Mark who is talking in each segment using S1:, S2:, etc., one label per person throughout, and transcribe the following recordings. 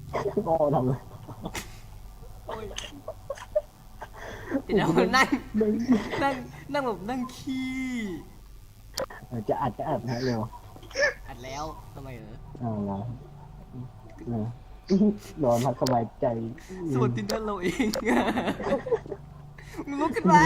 S1: โง่ทำเลย
S2: โอ้ยเดี๋ยวนั่งนั่งนั่งแบบนั่งขี้
S1: จะอัดนะเร็ว
S2: อัดแล้วทำไม
S1: เอาละเนอะนอนพักสบายใจ
S2: ส่วนตินเนอร์เราเองมึงลุกขึ้นมา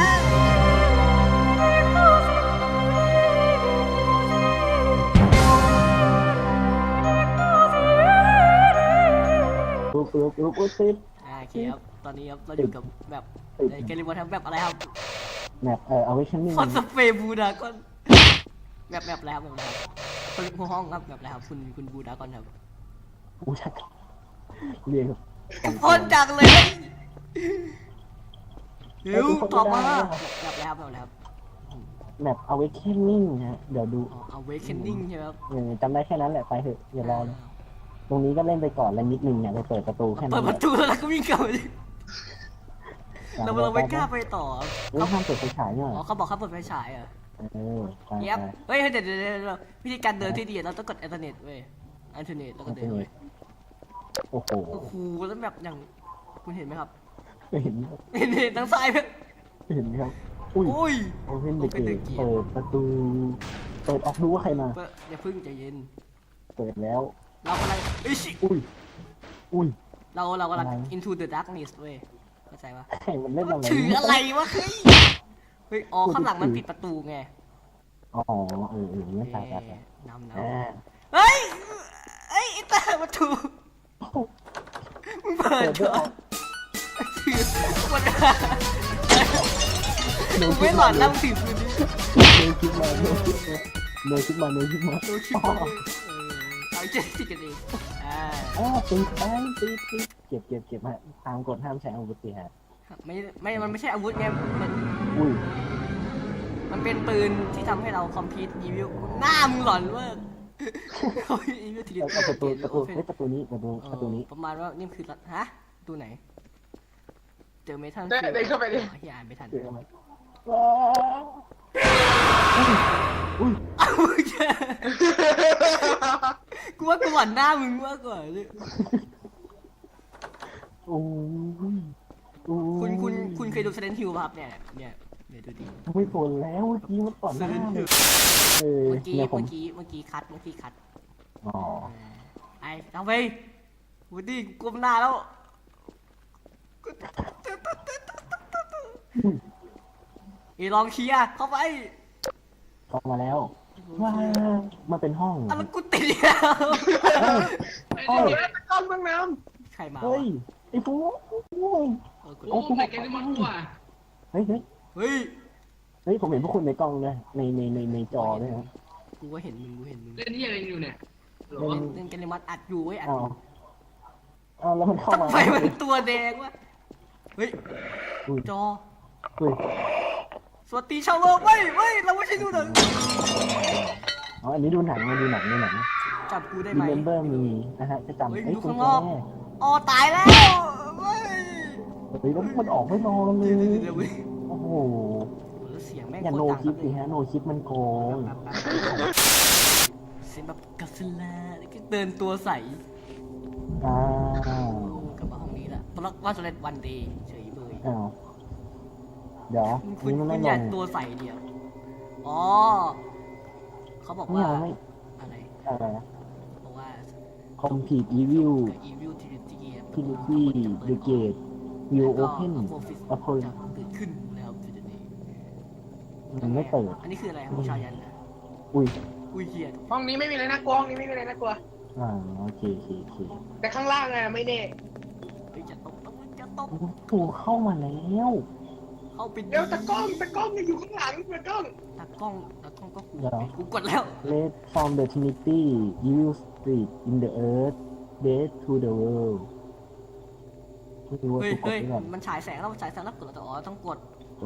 S1: ปุ๊บติด
S2: โอเคครับตอนนี้ครับเราอยู่กับแบบในเกมรีโมททำแบบอะไรครับ
S1: แมปเอาไว้ชั้นหนึ่ง
S2: คอนสเปรย์บูดากอนแบบแล้วแบบแล้วคนหัวห้องครับแบบแล้วครับคุณบูดากอนครับ
S1: กูชักเรียก
S2: คนจังเลยเร็วตอบมาแบบแล้วแบบแล้ว
S1: แมปเอาไว้แค่นิ่งฮะเดี๋ยวดู
S2: Awakening ใช่ไหมครับ
S1: จำได้แค่นั้นแหละไปเถอะอย่ารอเลยตรงนี้ก็เล่นไปก่อนแล้วนิดนึงเนี่ยไปเปิดประตูแค่นั้น
S2: เปิดประตูแล้วก็วิ่งกลับไปเราไม่กล้าไปต่อ
S1: เขาห้ามเปิดไฟฉายเนี่ย
S2: อ๋อเขาบอกเขาเปิดไฟฉายอ่ะ
S1: ไป
S2: เย็บเฮ้ยเดี๋ยววิธีการเดินที่ดีเราต้องกดอินเทอร์เน็ตเว้ยอินเทอร์เน็ตแล้วก็เดินเว้ย
S1: โอ้โห
S2: แล้วแบบอย่างคุณเห็นไหมครับ
S1: เห็น
S2: ทางซ้าย
S1: เห็นครับอุ้ยโอเพนเดอะเกตเปิดประตูเปิดออกดูว่าใครมา
S2: อย่าพึ่งใจเย็น
S1: เปิดแล้ว
S2: เรากำลัง
S1: อุ้ย
S2: เรากำลัง into the darkness เว้ยเข้าใจปะ
S1: ใครมันเล่นอะไร
S2: ถืออะไรวะเฮ้ยอ๋อข้างหลังมันปิดประตูไง
S1: อ๋อเนี่ยตาย
S2: นำเฮ้ยไอ้ตาประตูมึงเปิดก่อนถือมันมึงไม่หลอนแล้วถือปืน
S1: เลยคิดมา
S2: เอาเจ็ดสิกันเอง
S1: ตีเก็บฮะตามกฎห้ามใช้อาวุธสิฮะ
S2: มันไม่ใช่อาวุธไงมันเป็นปืนที่ทำให้เราคอมพิวต์อีวิวหน้ามึงหลอนเว้ยอีวิวทีเดียว
S1: ประตูนี้
S2: ประมาณว่านี่คือฮะประตูไหนเจอเมทัล
S3: ได้เข้าไปดิ
S2: ที่อ่านไม่ทันกูว่ากูหวั่นหน้ามึงมากกว่าเลยคุณเคยดู Silent Hill ป่ะครับเนี่ยดูดิ
S1: ไม่ผลแล้วเมื่อกี้มันต่อนหน้าเ
S2: มื่อกี้คัด
S1: อ๋อ
S2: ไอ้ทำไปวูดดี้ก้มหน้าแล้วลองเคลียร์เข้า
S1: มาแล้วว้ามันเป็นห้อง
S2: แล้วกูติดแล้ว
S3: ก้อนเบื้องน้
S2: ำใครมา
S1: เฮ้ยไอ้ฟู
S3: โอ้ใส่แกงมันกว่า
S1: เฮ้ยผมเห็นพวกคุณในกล้องด้วยในจอด้วยนะ
S2: กูก็เห็นมึง
S3: เล่นที่อะไรอยู่เนี่ย
S2: เล่นกันเลยมัดอัดอยู่เว้ยอัด
S1: แล้วมันเข้ามา
S2: ไฟมันตัวแดงวะเฮ้ยจอสวัสดีชาวโลกเว้ยเราไม่ใช่ดูหนัง
S1: อันนี้ดูหนัง
S2: จับกูได้ไหม
S1: Remember Me นะฮะจะจำ
S2: ดูข้างนอกอ๋อตายแล้ว
S1: แล้วมันออกไม่รอเลยโอ้โห
S2: เสียงแม่ง
S1: อย่าโนคลิปสิฮะโนคลิปมันโกง
S2: เสียงแบบกัสลาเดินตัวใสกลับมาห้องนี้ละตอนแรกว่าจะเล่นวันเดย์เฉยเบย
S1: เดี๋ยว
S2: คุณอยากตัวใสเดียวอ๋อเขาบอกว่าอะไรบอกว่า
S1: Complete Evil Trinity The Gate Will Open
S2: เกิดขึ้นแล้ว
S1: มันไม่เปิด
S2: อันนี้คืออะไรของชายัน
S1: อุ้
S2: ยเหี้ย
S3: ห้องนี้ไม่มีอะไรน่ากลัวห้องนี้ไม่มีอะไรน่ากลัว
S1: โอเค
S3: แต่ข้างล่างไงไม่แน่
S2: จะตก
S1: ถูกเข้ามาแล้ว
S2: เข้าไป
S3: เดี๋ยวตะกล้องยังอยู่ข้างหลังตะกล้อง
S2: ก็กูกดแล้ว
S1: Red from the Trinity Evil Spirit in the Earth Death to the World
S2: เฮ้ยมันฉายแสงแล้วกดแล้วแต่ต้องกด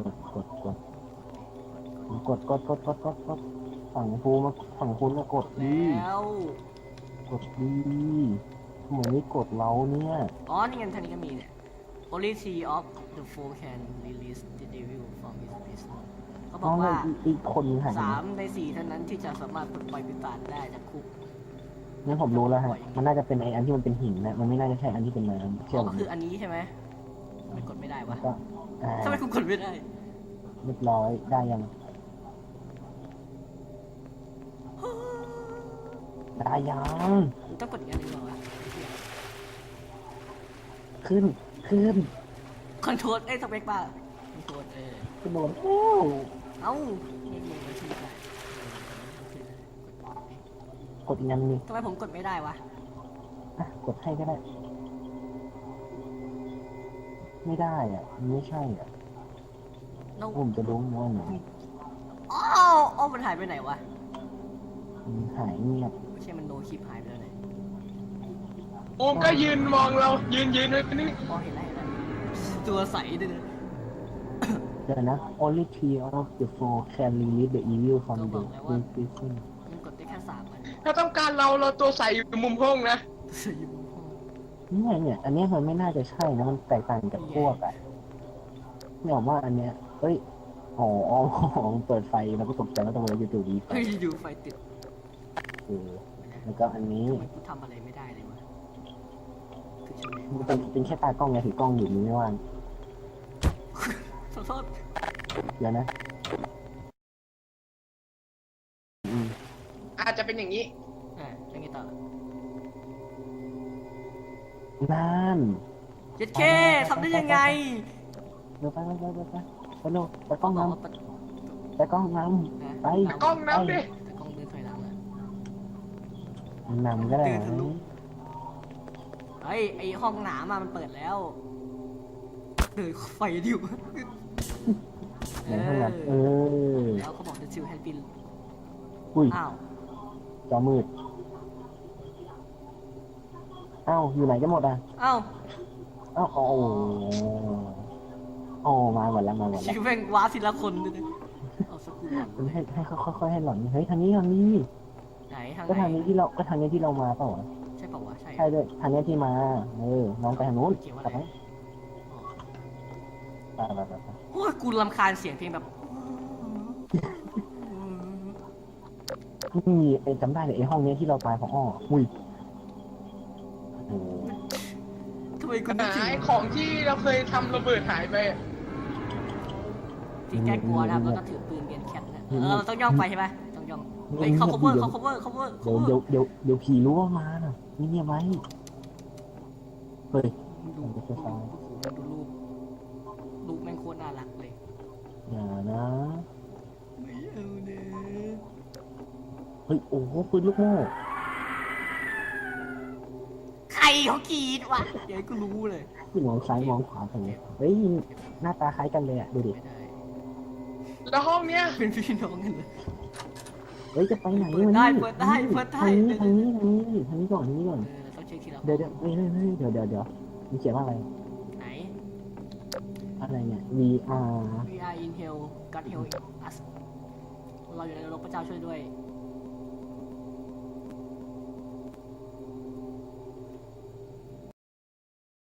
S1: ฝั่งคุณมากด
S2: แล้ว
S1: ทำไมไม่กดเราเนี่ย
S2: นี่ไงท่านี้ก็มีเนี่ย Only three of the four can release the devil from his prison เขาบอกว่า3 ใน 4เท่านั้นที่จะสามารถปลดปล่อยปีศาจได้จากคุก
S1: งั้นผมรู้แล้วฮะมันน่าจะเป็นไออันที่มันเป็นหินนะมันไม่น่าจะใช่อันที่เป็นน้ำ
S2: อ๋
S1: เชื่อ
S2: อ
S1: ผ
S2: ก็
S1: ม
S2: คืออันนี้ใช่ไหมทำไมกดไม่ได้วะ
S1: ก็
S2: ทำไมกูกดไม่ได้
S1: เรียบร้อยได้ยังได้ยัง
S2: กูต้องกดอีกอันหนึงเหรอวะ
S1: ขึ้น
S2: คอนโทรลสเปคบ้าคอนโทรล
S1: ขึ้นบนแล้ว
S2: เอ้าไม่มีมาชื่อได้
S1: กดอีกอันหนึง
S2: ทำไมผมกดไม่ได้วะ
S1: อ่ะกดให้ก็ได้ ไม่ได้อ่ะมันไม่ใช่อ่ะ
S2: น้อง
S1: ผมจะรู้ว่าไหน
S2: อ้าวอ้าวมันหายไปไหนวะ
S1: มันหายเงียบ
S2: ไม่ใช่มันโนคลิปหายไปแล้วไหน
S3: โอมก็ยืนมองเรายืนไว้นี่
S2: อ๋อเห็นแล้วตัวใสด้วยนะ
S1: เดี๋ยวนะ only three of the four can release the evil from the prison
S2: มันกดได้แค่3 อัน
S3: ถ้าต้องการเราตัวใสอยู่มุมห้องนะ
S2: ใส่อยู่บนห้อง
S1: เนี่ย อันเนี้ยมันไม่น่าจะใช่นะ มันแตกต่างจากพวกอ่ะเนี่ยผมว่าอันเนี้ยเอ้ยมันเปิดไฟแล้วก็ตกใจแล้วตรงนี้อยู่ดีไฟ
S2: เฮ้ยอยู่ไฟติด
S1: แล้วก็อันนี้
S2: ทำไมกูทำอะไรไม่ได้เลยวะคือใช่ไหม
S1: มันเป็นแค่ตากล้องไงถือกล้องอยู่นี่ไม่ว่าง
S2: ขอโทษ
S1: เดี๋ยวนะอืม
S3: อาจจะเป็นอย่างนี้
S2: ยังไงต่อ
S1: นั่น
S2: เจ็ดเคทำได้ยังไง
S1: เดี๋ยวไปเร็วไปกล้อง
S2: บอก
S1: น้
S2: ว่า
S1: ำไปกล้องน้ำไป
S3: กล้องน้ำดิ
S2: แต่กล้องเดินถอยหลังอะ
S1: นำก็ได้
S2: เฮ้ยไอห้องหนามอะมันเปิดแล้วเดินไฟดิว
S1: ในห้องน้ำ
S2: แล้วเขาบอกจะซิลแฮนด์บิน
S1: อุ้ย
S2: อ้าว
S1: จอมืดอ้าวอยู่ไหนกันหมดอ่ะ
S2: อ้าว
S1: อ้าวมาหมดแล้ว
S2: ชิวแม่งว้าทีละคนด้วยนะเอาสกูหล่อน
S1: มันให้ค่อยๆให้หล่อนเฮ้ยทางนี้
S2: ไหนทาง
S1: ก็
S2: ไหน
S1: ทางนี้ที่เรามาเปล่าวะ
S2: ใช่เปล่าวะใช่
S1: ใช่ด้วยทางนี้ที่มาน้องไปทางนู้น
S2: เขียนว่า
S1: ไป
S2: อะไร
S1: ไป
S2: โอ้ยกูรำคาญเสียงเพลงแบบ
S1: นี่ไอ้จำได้เลยไอ้ห้องนี้ที่เราตายเพราะอุ้ยโอ้
S2: ทำไมกูนึกถึง
S3: หายของที่เราเคยทำระเบิดหายไป
S2: ที่แก้กลัวนะครับแล้วก็ถือปืนเรียนแคทนะเราต้องย่องไปใช่ไหมต้องย่องเฮ้ยเขา cover
S1: เดี๋ยวผีรู้ว่ามาน่ะนี่เนี่ยไหมเฮ้ย
S2: ดูรูปแม่งโคตรน่ารักเลย
S1: อย่านะ
S2: ไม่เอาเน
S1: เฮ้ยโอ้โหปืนลูกโม่
S2: ใครเขากรีดวะเดี๋ยวกูรู้เลย
S1: ที่มองซ้ายมองขวากันเลยเฮ้ยหน้าตาคล้ายกันเลยอ่ะดูดิ
S2: ไม่ได้
S3: แล้วห้องเนี้ย
S2: เป็นพี่น้องกันเลย
S1: เฮ้ยจะไปไหน
S2: เปิดได้
S1: ทางนี้ก่อน
S2: ต้องเช็คทีละ
S1: เดี๋ยวเฮ้ยเดี๋ยวมีเขียนว่าอะไร
S2: ไหน
S1: อะไรเนี่ย VR
S2: We are in hell God help us เราอยู่ในนรกพระเจ้าช่วยด้วย